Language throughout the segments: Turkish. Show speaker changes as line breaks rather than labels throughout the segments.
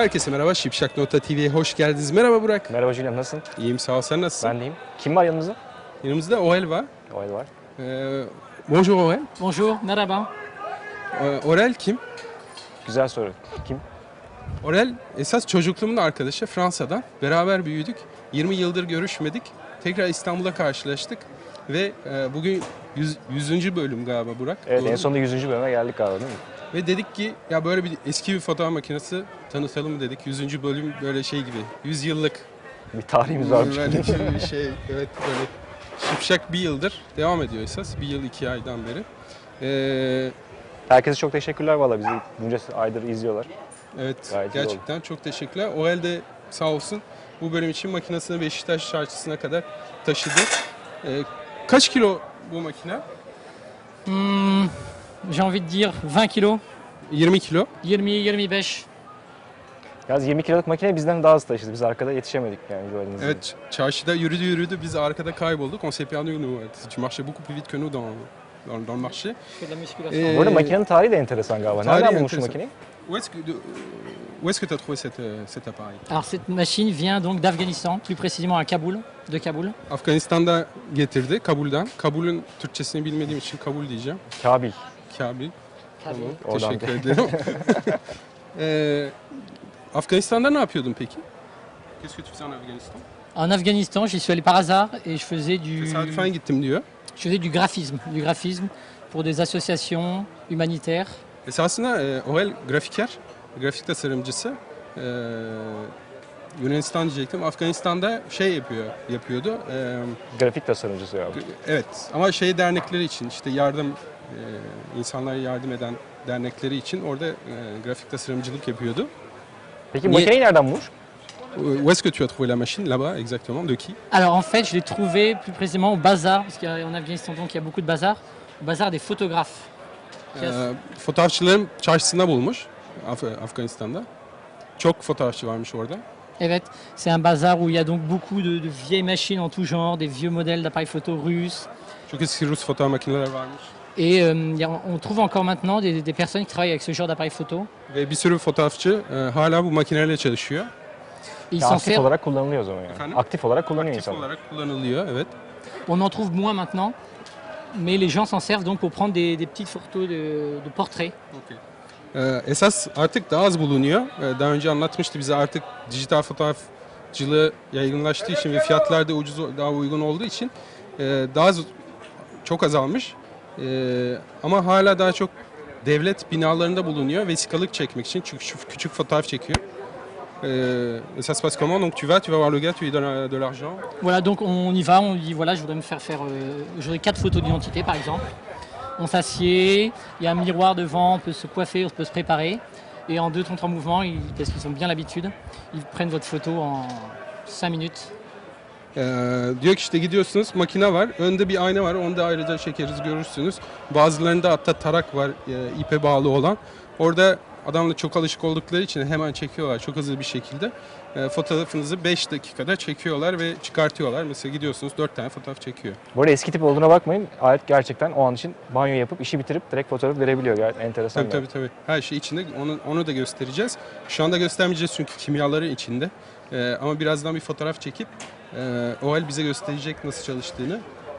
Herkese merhaba, Şipşak Nota TV'ye hoş geldiniz. Merhaba Burak.
Merhaba Julian, nasılsın?
İyiyim, sağ ol. Sen nasılsın?
Ben deyim. Kim var yanımızda?
Yanımızda Orel var.
Orel var.
Bonjour Orel.
Bonjour, merhaba.
Orel kim?
Güzel soru. Kim?
Orel esas çocukluğumun arkadaşı, Fransa'dan. Beraber büyüdük. 20 yıldır görüşmedik. Tekrar İstanbul'a karşılaştık. Ve bugün 100. bölüm galiba Burak.
Evet,
Doğru
en
mu?
sonunda 100. bölüme geldik galiba değil mi?
Ve dedik ki ya böyle bir eski bir fotoğraf makinesi tanıtalım dedik. 100. bölüm böyle şey gibi. 100 yıllık
Bir tarihimiz varmış.
böyle bir şey. Evet, böyle Şipşak bir yıldır devam ediyor esas. Bir yıl 2 aydan beri.
Herkese çok teşekkürler valla, bizi bunca aydır izliyorlar.
Evet,
Gayet iyi
gerçekten çok teşekkürler. Orel de sağ olsun bu bölüm için makinesini Beşiktaş çarşısına kadar taşıdı. Kaç kilo bu makine?
J'ai envie de dire 20 kilos.
20 kilo.
20-25.
Yalnız 20 kiloluk makine bizden daha hızlı taşıdı. Biz arkada yetişemedik yani gördüğünüz gibi.
Evet, çarşıda yürüdü, biz arkada kaybolduk. On s'est perdu nous. Tu marchais beaucoup plus vite que nous dans le marché.
Je fais de la musculation.
Bu arada makinenin tarihi de enteresan galiba.
Tarihi
Nereden bulmuş bu
enteresan.
makineyi?
Où est-ce que tu as trouvé cet appareil?
Alors cette machine vient donc d'Afghanistan, plus précisément à Kaboul, de Kaboul.
Afganistan'da getirdi, Kabul'den. Kabul'ün Türkçesini bilmediğim için Kabul diyeceğim.
Kabil.
Kabil.
Kaboul.
Tamam,
Oradan
teşekkür ederim. Afganistan'da ne yapıyordun peki? Qu'est-ce que tu faisais en Afghanistan?
En Afghanistan, j'y suis allé par hasard et je faisais
Tesadüfen gittim diyor.
du graphisme pour des associations humanitaires.
Esasında Orel grafiker, grafik tasarımcısı. Yunanistan diyecektim. Afganistan'da şey yapıyordu.
Grafik tasarımcısı ya.
Evet, ama şey dernekleri için işte insanlara yardım eden dernekleri için orada grafik tasarımcılık yapıyordu.
Peki makineyi nereden bulmuş?
Où est-ce que tu as trouvé la machine là-bas exactement? De qui?
Alors en fait, je l'ai trouvé plus précisément au bazar, parce qu'en Afghanistan donc il y a beaucoup de bazars, au bazar des photographes.
Fotoğrafçıların çarşısında bulmuş Afganistan'da. Çok fotoğrafçı varmış orada.
Evet, c'est un bazar où il y a donc beaucoup de vieilles machines en tout genre, des vieux modèles d'appareils photo russes.
Çok eski Rus fotoğraf makineleri varmış.
Et on trouve encore maintenant des personnes qui travaillent avec ce genre d'appareil photo.
Ve bir sürü fotoğrafçı hala bu makinelerle çalışıyor.
Et ils
Ya
s'en
aktif
servent.
olarak kullanılıyor o zaman yani.
Efendim?
Aktif olarak kullanıyor
Aktif
insanlar.
olarak kullanılıyor, evet.
On en trouve moins maintenant, mais les gens s'en servent donc pour prendre des petites photos de portraits.
Esas artık daha az bulunuyor. Daha önce anlatmıştı bize, artık dijital fotoğrafçılığı yaygınlaştığı için ve fiyatlar da daha uygun olduğu için çok azalmış. Ama hala daha çok devlet binalarında bulunuyor vesikalık çekmek için, çünkü küçük fotoğraf çekiyor. Ça se passe comment? Donc tu vas voir le gars, tu lui donnes de l'argent.
Voilà, donc on y va, on dit voilà, je voudrais me faire je voudrais 4 photos d'identité par exemple. On s'assied, il y a un miroir devant, on peut se coiffer, on peut se préparer. Et en 2-3 mouvements, parce qu'ils ont bien l'habitude, ils prennent votre photo en 5 minutes.
Diyor ki işte gidiyorsunuz, makine var, önde bir ayna var, onu da ayrıca çekeriz, görürsünüz. Bazılarında hatta tarak var, ipe bağlı olan. Orada adamla çok alışık oldukları için hemen çekiyorlar çok hızlı bir şekilde. Fotoğrafınızı 5 dakikada çekiyorlar ve çıkartıyorlar. Mesela gidiyorsunuz 4 tane fotoğraf çekiyor.
Bu arada eski tip olduğuna bakmayın. Alet gerçekten o an için banyo yapıp işi bitirip direkt fotoğraf verebiliyor. Gayet enteresan.
Tabii. Her şey içinde. Onu da göstereceğiz. Şu anda göstermeyeceğiz çünkü kimyaları içinde. Ama birazdan bir fotoğraf çekip Orel bize gösterecek nasıl çalıştığını.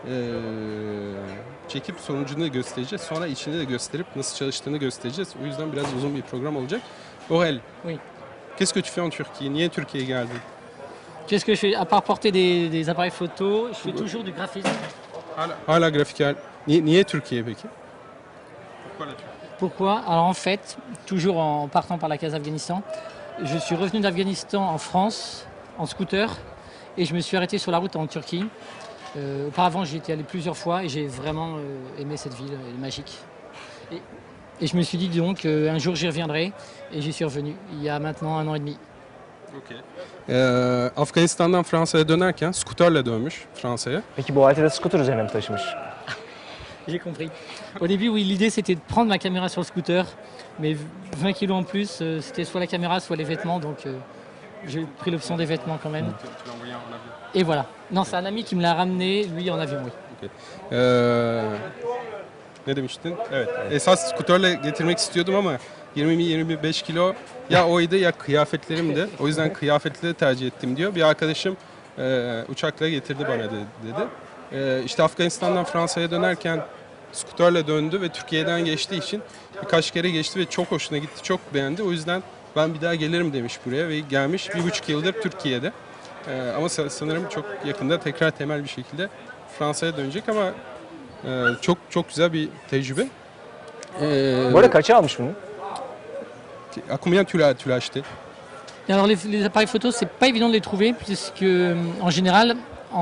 Çekip sonucunu göstereceğiz. Sonra içini de gösterip nasıl çalıştığını göstereceğiz. O yüzden biraz uzun bir program olacak. Orel,
Oui.
qu'est-ce que tu fais en Turquie? Niye Türkiye'ye geldin?
Qu'est-ce que je fais? À part porter des appareils photo, je fais toujours du graphisme.
Hala grafiker. Niye Türkiye peki?
Pourquoi? Alors en fait, toujours en partant par la case Afghanistan, je suis revenu d'Afghanistan en France en scooter et je me suis arrêté sur la route en Turquie. Auparavant, j'y étais allé plusieurs fois et j'ai vraiment aimé cette ville, elle est magique. Et je me suis dit donc un jour j'y reviendrai et j'y suis revenu il y a maintenant 1 an et demi.
Afganistan'dan Fransa'ya dönerken skuterle dönmüş Fransa'ya.
Peki bu aleti de scooter üzerine mi taşımış?
J'ai compris. Au début, oui, l'idée c'était de prendre ma caméra sur le scooter, mais 20 kilos en plus, c'était soit la caméra, soit les vêtements, donc j'ai pris l'option des vêtements quand même. Et voilà. Non, c'est un ami qui me l'a ramené, lui en avion, oui.
Ne demiştin? Evet. Esas skuterle getirmek istiyordum ama 20-25 kilo ya oydu ya kıyafetlerimdi. O yüzden kıyafetleri tercih ettim diyor. Bir arkadaşım uçakla getirdi bana dedi. İşte Afganistan'dan Fransa'ya dönerken skuterle döndü ve Türkiye'den geçtiği için birkaç kere geçti ve çok hoşuna gitti, çok beğendi. O yüzden ben bir daha gelirim demiş buraya ve gelmiş 1,5 yıldır Türkiye'de. Ama sanırım çok yakında tekrar temel bir şekilde Fransa'ya dönecek ama çok çok güzel bir tecrübe.
Bu arada kaça almış bunu?
À combien tu l'as acheté?
Et alors les appareils photo, c'est pas évident de les trouver puisque en général,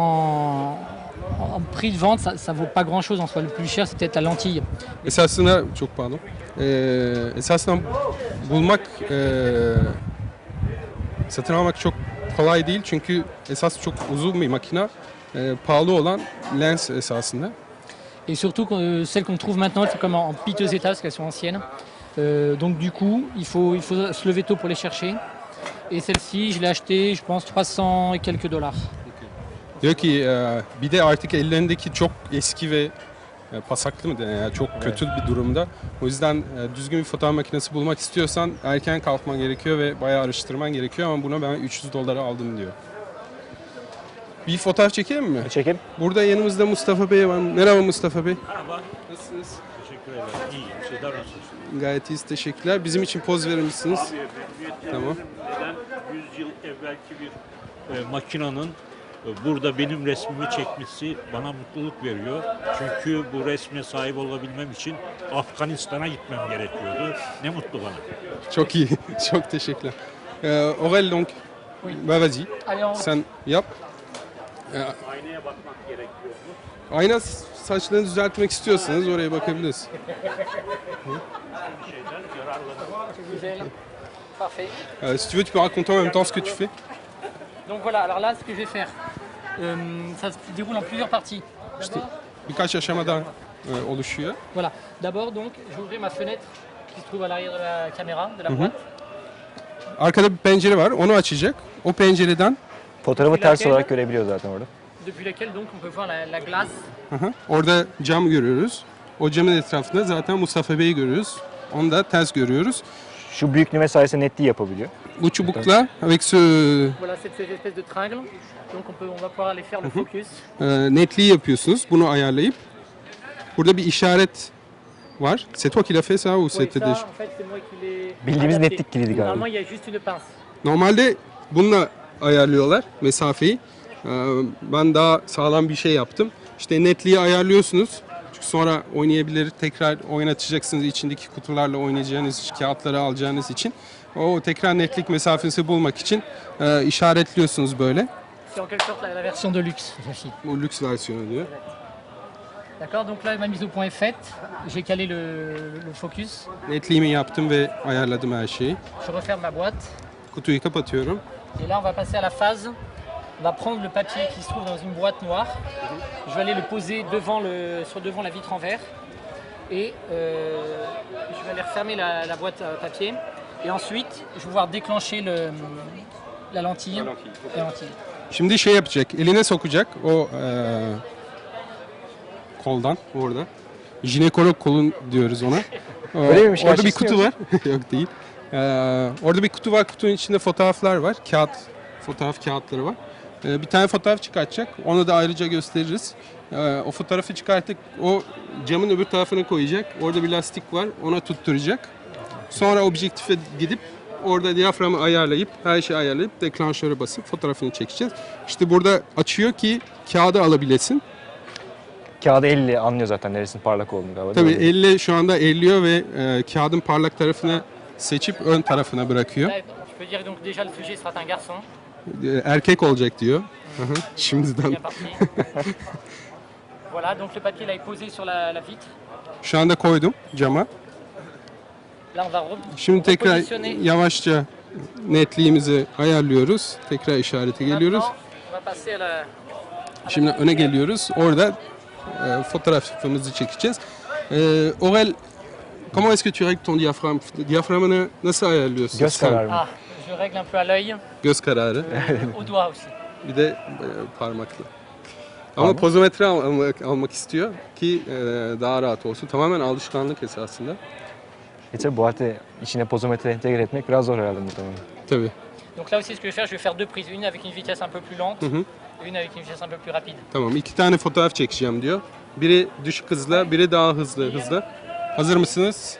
en prix de vente, ça vaut pas grand chose en soi. Le plus cher, c'est peut-être la lentille.
Esasında çok pardon. Esasında bulmak, satın almak çok kolay değil çünkü esas çok uzun bir makine, pahalı olan lens esasında.
Et surtout, celles qu'on trouve maintenant, elles sont comme en piteux état parce qu'elles sont anciennes. Donc du coup, il faut se lever tôt pour les chercher. Et celle-ci, je l'ai achetée, je pense, 300 et quelques dollars.
Diyor ki bir de artık ellerindeki çok eski ve pasaklı mı deniyor, yani çok kötü bir durumda. O yüzden düzgün bir fotoğraf makinesi bulmak istiyorsan erken kalkman gerekiyor ve bayağı araştırman gerekiyor ama buna ben 300 dolara aldım diyor. Bir fotoğraf çekelim mi?
Çekelim.
Burada yanımızda Mustafa Bey var. Merhaba Mustafa Bey.
Merhaba.
Nasılsınız?
Teşekkür ederim. İyiyim. Sizler nasılsınız?
Gayet iyiyiz, teşekkürler. Bizim için poz verir misiniz?
Abi memnuniyetle
Tamam.
neden 100 yıl evvelki bir makinanın burada benim resmimi çekmesi bana mutluluk veriyor. Çünkü bu resme sahip olabilmem için Afganistan'a gitmem gerekiyordu. Ne mutlu bana.
Çok iyi. Çok teşekkürler. Aurel donc. Bah vas-y.
Allez, en
Sen yap.
Aynaya bakmak gerekiyor mu?
Ayna saçlarını düzeltmek istiyorsanız oraya bakabiliriz.
Bir şeyden yararlanırım.
Parfait.
Si tu veux, tu peux raconter en même temps ce que tu fais.
Donc voilà, alors là, ce que je vais faire, ça se déroule en plusieurs parties.
İşte birkaç aşamadan oluşuyor.
Voilà. D'abord, donc, je vais ouvrir ma fenêtre qui se trouve à l'arrière de la caméra, de la
Mhm.
boîte.
Arkada bir pencere var, onu açacak. O pencereden
Fotoğrafı ters olarak görebiliyor zaten orada.
Depuis laquelle donc on peut voir la glace.
orada cam görüyoruz. O camın etrafında zaten Mustafa Bey'i görüyoruz. Onu da ters görüyoruz.
Şu büyüklüğüne sayesinde netliği yapabiliyor.
Bu çubukla, avec ce
Voilà, c'est ces espèces de tringles. Donc on va pouvoir aller faire le focus.
netliği yapıyorsunuz. Bunu ayarlayıp. Burada bir işaret var. C'est toi qui l'as fait ça ou
Oui,
c'était
ça,
des...
en fait, c'est moi qui l'ai
Bildiğimiz
adapté.
netlik kilidi galiba.
Normalement, il y a juste une pince.
Normalde bununla ayarlıyorlar mesafeyi. Ben daha sağlam bir şey yaptım. İşte netliği ayarlıyorsunuz. Çünkü sonra oynayabilir, tekrar oynatacaksınız içindeki kutularla oynayacağınız, kağıtları alacağınız için. O tekrar netlik mesafesi bulmak için işaretliyorsunuz böyle.
C'est en quelque sorte la version de luxe, celle-ci.
Bu lüks versiyonu diyor.
D'accord, donc là, ma mise au point est faite. J'ai calé le focus.
Netliğimi yaptım ve ayarladım her şeyi.
Je referme ma boîte.
Kutuyu kapatıyorum.
Et là, on va passer à la phase. On va prendre le papier qui se trouve dans une boîte noire. Je vais aller le poser devant la vitre en verre. Et je vais aller refermer la boîte à papier. Et ensuite, je vais pouvoir déclencher la lentille. La lentille.
Şimdi şey yapacak, eline sokacak o koldan orada. Jinekolog kolun diyoruz ona.
Öyle miymiş
Orada bir
gerçekten
kutu var. Yok değil. Orada bir kutu var. Kutunun içinde fotoğraflar var. Fotoğraf kağıtları var. Bir tane fotoğraf çıkartacak. Onu da ayrıca gösteririz. O fotoğrafı çıkarttık. O camın öbür tarafına koyacak. Orada bir lastik var. Ona tutturacak. Sonra objektife gidip orada diyaframı ayarlayıp, her şeyi ayarlayıp deklanşöre basıp fotoğrafını çekeceğiz. İşte burada açıyor ki kağıdı alabilesin.
Kağıdı elle anlıyor zaten neresinin parlak olduğunu galiba.
Tabii
değil mi?
elle şu anda elliyor ve kağıdın parlak tarafını seçip ön tarafına bırakıyor.
Là, je peux dire donc déjà le sujet sera un garçon.
Erkek olacak diyor. Şimdiden.
Bien parti. Voilà, donc le papier là est posé sur la vitre.
Şu anda koydum cama.
Là, on va
Şimdi tekrar
repositionner.
yavaşça netliğimizi ayarlıyoruz. Tekrar işarete geliyoruz.
Maintenant, on va passer à la...
Şimdi öne geliyoruz. Orada fotoğrafımızı çekeceğiz. Aurel, comment est-ce que tu règles ton diaphragme? Diyaframını nasıl ayarlıyorsun?
Göz
sen?
kararı mı?
Ah, je règle un peu à l'œil,
Göz kararı.
au doigt aussi.
Bir de parmakla. Ama pozometre almak istiyor ki daha rahat olsun. Tamamen alışkanlık esasında.
Tabii bu aleti içine pozometre entegre etmek biraz zor herhalde muhtemelen.
Tabii.
Donc là aussi, ce que je vais faire, je vais faire deux prises. Une avec une vitesse un peu plus lente
Mhm.
et une avec une vitesse un peu plus rapide.
Tamam, 2 tane fotoğraf çekeceğim diyor. Biri düşük hızla, biri daha hızlı. Hazır mısınız?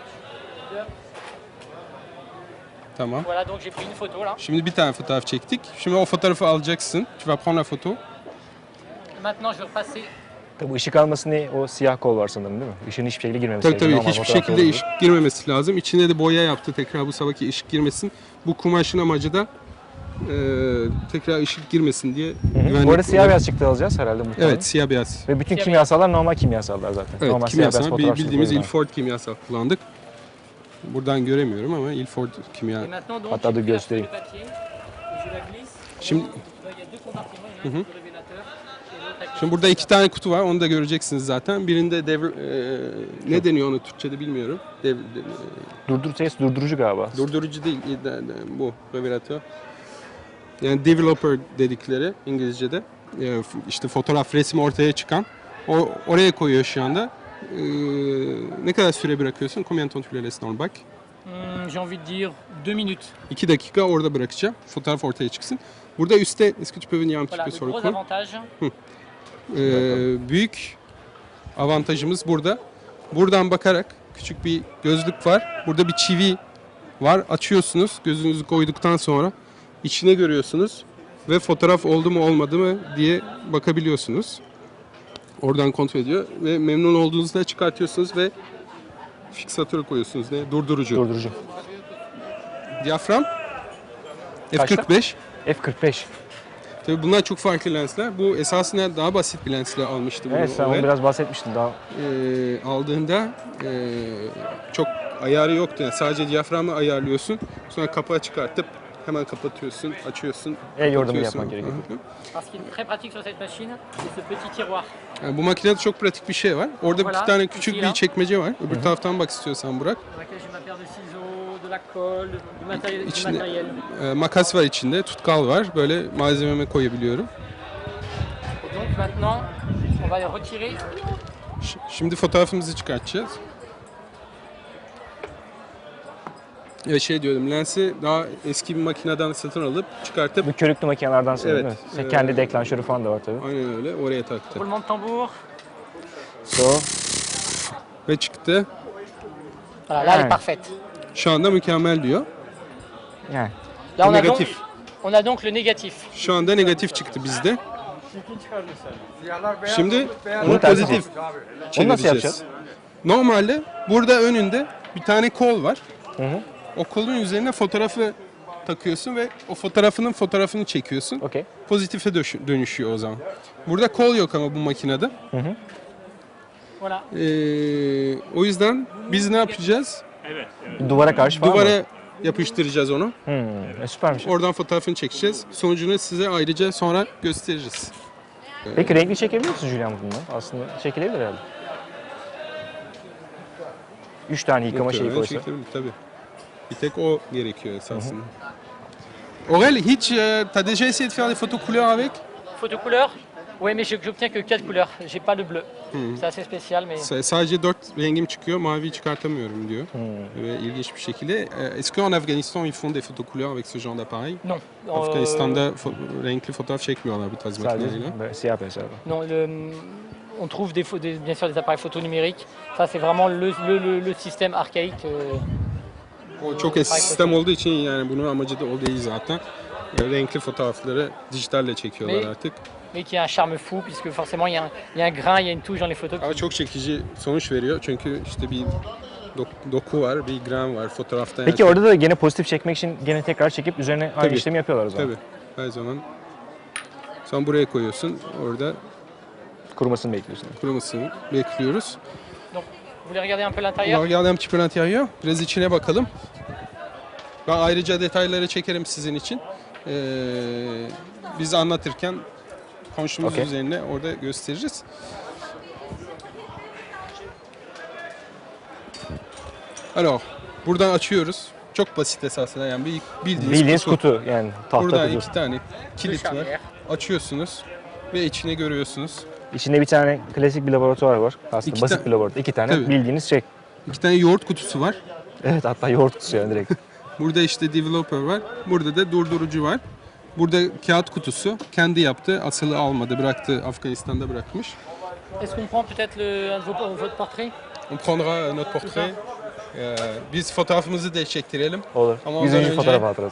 Tamam.
Voilà, donc j'ai pris une photo là.
Şimdi bir tane fotoğraf çektik. Şimdi o fotoğrafı alacaksın. Tu vas prendre la photo.
Maintenant, je vais repasser.
Tabii ışık alması ne? O siyah kol var sanırım değil mi? Işığın hiçbir şekilde girmemesi
Tabii
gerekiyor.
tabii
Normal
hiçbir
fotoğrafta
şekilde
olduğu
ışık girmemesi lazım. İçine de boya yaptı tekrar bu sabahki ışık girmesin. Bu kumaşın amacı da tekrar ışık girmesin diye.
gibi. Bu
güvenlik
arada siyah
olarak-
beyaz çıktı alacağız herhalde muhtemelen.
Evet, siyah beyaz.
Ve bütün
Siyah
kimyasallar normal kimyasallar zaten.
Evet,
normal
kimyasal.
fotoğraf
Bildiğimiz
çekimleri.
Ilford kimyasal kullandık. Buradan göremiyorum ama Ilford kimya.
Et maintenant, donc,
Hatta
j'ai
de
pris la
göstereyim.
feuille de papier, et je la glisse.
Şimdi
Là, il y a deux compartiments. Il y en a un avec le révélateur et l'autre avec le
Şimdi burada 2 tane kutu var. Onu da göreceksiniz zaten. Birinde ne deniyor onu Türkçe'de bilmiyorum.
Durdurucu galiba.
Durdurucu değil, bu revelator. Yani developer dedikleri İngilizce'de. İşte fotoğraf, resim ortaya çıkan. Oraya koyuyor şu anda. Ne kadar süre bırakıyorsun? Combien de temps tu le laisses dans le bac?
J'ai envie de dire 2 minutes.
2 dakika orada bırakacağım. Fotoğraf ortaya çıksın. Burada üstte, est-ce que tu peux venir un petit
Voilà,
peu
le
sur le
gros
coin?
avantage.
Büyük avantajımız burada. Buradan bakarak küçük bir gözlük var. Burada bir çivi var. Açıyorsunuz. Gözünüzü koyduktan sonra içine görüyorsunuz ve fotoğraf oldu mu olmadı mı diye bakabiliyorsunuz. Oradan kontrol ediyor ve memnun olduğunuzda çıkartıyorsunuz ve fiksatörü koyuyorsunuz. Ne? Durdurucu.
Durdurucu.
Diyafram
Kaçta?
F45.
F45.
Tabii bunlar çok farklı lensler. Bu esasında daha basit bir lensle almıştı bunu.
Evet sen
Ovel.
onu biraz bahsetmiştin daha.
Aldığında çok ayarı yoktu. Yani sadece diyaframı ayarlıyorsun. Sonra kapağı çıkartıp hemen kapatıyorsun, açıyorsun.
El yordamı
kapatıyorsun.
yapmak gerekiyor.
Hı hı.
Alors, ce qui est très pratique sur cette machine, c'est ce petit tiroir.
Yani bu makinede çok pratik bir şey var. Orada
Voilà,
bir tane küçük
ici,
bir
là.
çekmece var. Öbür taraftan bak istiyorsan Burak.
Dans laquelle j'ai ma paire de ciseaux, de la colle, du matériel. Du
İçinde
matériel.
makas var içinde, tutkal var. Böyle malzememe koyabiliyorum.
Et donc maintenant, on va retirer.
Şimdi fotoğrafımızı çıkartacağız. Evet şey diyordum, lensi daha eski bir makineden satın alıp çıkartıp
Bu körüklü makinelerden sanırım
Evet.
değil mi? Sen kendi deklanşörü falan da var tabii.
aynen öyle oraya taktı.
Roulement de tambour.
So,
Ve çıktı.
Voilà, là elle
Ouais.
est parfaite.
Şu anda mükemmel diyor.
yani.
Là on a, donc,
Négatif.
on a donc le négatif.
Şu anda negatif çıktı bizde. Şimdi
Bunu
onu
tersi
pozitif
Onu nasıl
çevireceğiz.
yapacağız?
Normalde burada önünde bir tane kol var.
Hı hı.
O kolun üzerine fotoğrafı takıyorsun ve o fotoğrafını çekiyorsun.
Okey.
Pozitife dönüşüyor o zaman. Burada kol yok ama bu makinede.
Voilà.
O yüzden biz ne yapacağız?
Duvara karşı falan mı?
Duvara yapıştıracağız onu.
Süpermiş.
Oradan fotoğrafını çekeceğiz. Sonucunu size ayrıca sonra gösteririz.
Peki renkli çekebiliyor musun Julian bundan? Aslında çekilebilir herhalde. 3 tane yıkama şeyi
Muhtemelen
koysa.
çekilebilir, tabii. Bir tek o gerekiyor esasında. Aurel, hiç t'as déjà essayé de faire des photos couleurs avec?
Photo couleur. Oui, mais j'obtiens que 4 couleurs. J'ai pas le bleu. C'est assez spécial, mais.
Sadece 4 rengim çıkıyor, mavi çıkartamıyorum diyor. Ve ilginç bir şekilde. Est-ce qu'en Afghanistan ils font des photos couleurs avec ce genre d'appareil?
Non.
Afganistan'da renkli fotoğraf çekmiyorlar bu tarz makineyle.
Sadece böyle siyah beyaz herhalde.
Non, on trouve bien sûr des appareils photo numériques. Ça, c'est vraiment le système archaïque.
O çok eski sistem olduğu için yani bunun amacı da o değil zaten. Renkli fotoğrafları dijitalle çekiyorlar
Mais-
artık.
Mais qui a un charme fou, puisque forcément, il y a un grain, il y a une touche dans les photos.
Ama çok çekici sonuç veriyor çünkü işte bir doku var, bir gram var fotoğrafta.
Peki
yani.
orada da gene pozitif çekmek için gene tekrar çekip üzerine aynı
Tabii.
işlemi yapıyorlar o zaman.
Tabii, her zaman. Sen buraya koyuyorsun, orada
Kurumasını bekliyorsun.
kurumasını bekliyoruz.
Donc, vous voulez regarder un peu
On va
l'intérieur?
regarder un petit peu l'intérieur. Biraz içine bakalım. Ben ayrıca detayları çekerim sizin için. Biz anlatırken konuştuğumuz
Okey.
üzerine orada gösteririz. Alors, buradan açıyoruz. Çok basit esasında yani
Bildiğiniz kutu yani tahta
Burada
kutu.
2 tane kilit var.
Charnière.
Açıyorsunuz ve içine görüyorsunuz.
İçinde bir tane klasik bir laboratuvar var. Aslında
İki
basit
ta-
bir laboratuvar. 2 tane
Tabii.
bildiğiniz şey.
2 tane yoğurt kutusu var.
Evet, hatta yoğurt kutusu yani direkt.
Burada işte developer var. Burada da durdurucu var. Burada kağıt kutusu. Kendi yaptı. Asılı almadı. Bıraktı. Afganistan'da bırakmış.
Est-ce qu'on prend peut-être un de votre portrait?
On prendra notre portrait. Biz fotoğrafımızı da çektirelim.
Olur.
Ama
100.
ondan önce-
fotoğraf hatırası.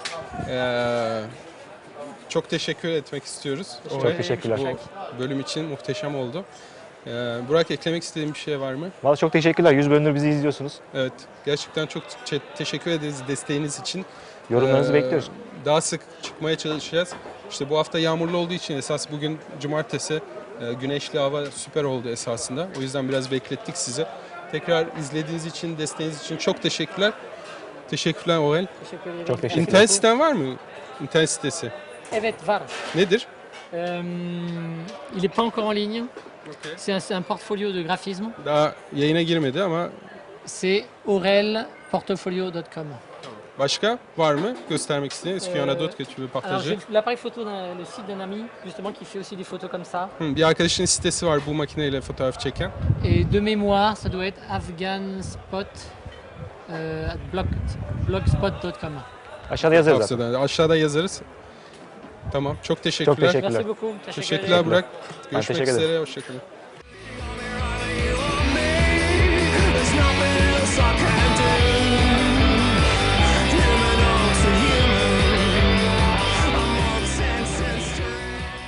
Çok teşekkür etmek istiyoruz.
Çok
Oraya.
teşekkürler.
Bu bölüm için muhteşem oldu. Burak, eklemek istediğin bir şey var mı?
Valla çok teşekkürler. 100 bölümdür bizi izliyorsunuz.
Evet, gerçekten çok teşekkür ederiz desteğiniz için.
Yorumlarınızı
Ee,
bekliyoruz.
Daha sık çıkmaya çalışacağız. İşte bu hafta yağmurlu olduğu için esas bugün cumartesi güneşli hava süper oldu esasında. O yüzden biraz beklettik sizi. Tekrar izlediğiniz için, desteğiniz için çok teşekkürler. Teşekkürler Aurel.
Teşekkür ederim.
Çok teşekkürler.
İnternet siten var mı? İnternet sitesi.
Evet, var.
Nedir?
Il n'est pas encore en ligne. C'est un portfolio de graphisme.
Daha yayına girmedi ama
C'est aurelportfolio.com.
başka var mı göstermek istediğiniz? Est-ce qu'il y en a d'autres que tu veux
Alors
partager?
j'ai l'appareil photo le site d'un ami justement qui fait aussi des photos comme ça.
Bir arkadaşın sitesi var bu makineyle fotoğraf çeken.
Et de mémoire, ça doit être afghanspot blogspot.com.
Aşağıda yazarız zaten.
Tavsiyeden. Aşağıda yazarız. Tamam. Çok teşekkürler.
Çok teşekkürler.
Merci beaucoup.
Teşekkürler Burak. Görüşmek
teşekkür ederim.
üzere. Hoşçakalın.
There's nothing else I can do. Human to human. I'm all senses to.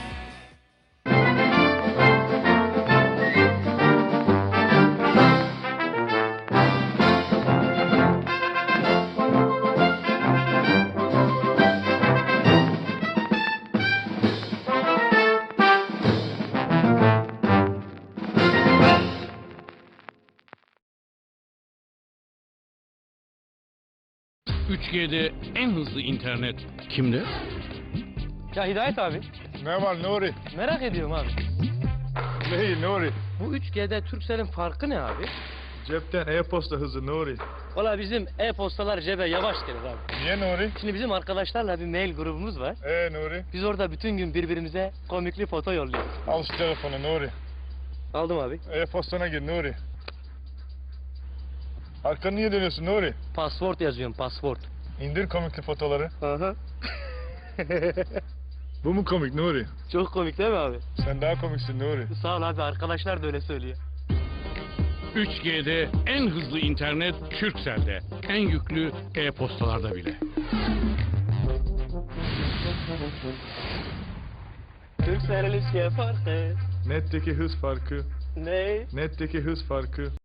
...3G'de en hızlı internet kimde?
Ya Hidayet abi,
Ne var Nuri?
merak ediyorum abi.
Neyi Nuri?
Bu 3G'de Turkcell'in farkı ne abi?
Cepten e-posta hızı Nuri.
Valla bizim e-postalar cebe yavaş gelir abi.
Niye Nuri?
Şimdi bizim arkadaşlarla bir mail grubumuz var.
Nuri?
Biz orada bütün gün birbirimize komikli foto yolluyoruz.
Al şu telefonu Nuri.
Aldım abi.
E-postana gir Nuri. Arkanı niye dönüyorsun Nuri?
Password yazıyorum, password.
İndir komikli fotoları.
Aha.
Bu mu komik Nuri?
Çok komik değil mi abi?
Sen daha komiksin Nuri.
Sağ ol abi, arkadaşlar da öyle söylüyor.
3G'de en hızlı internet Turkcell'de. En yüklü e-postalarda bile.
Turkcell'in 3G farkı.
Netteki hız farkı.
Ne?
Netteki hız farkı.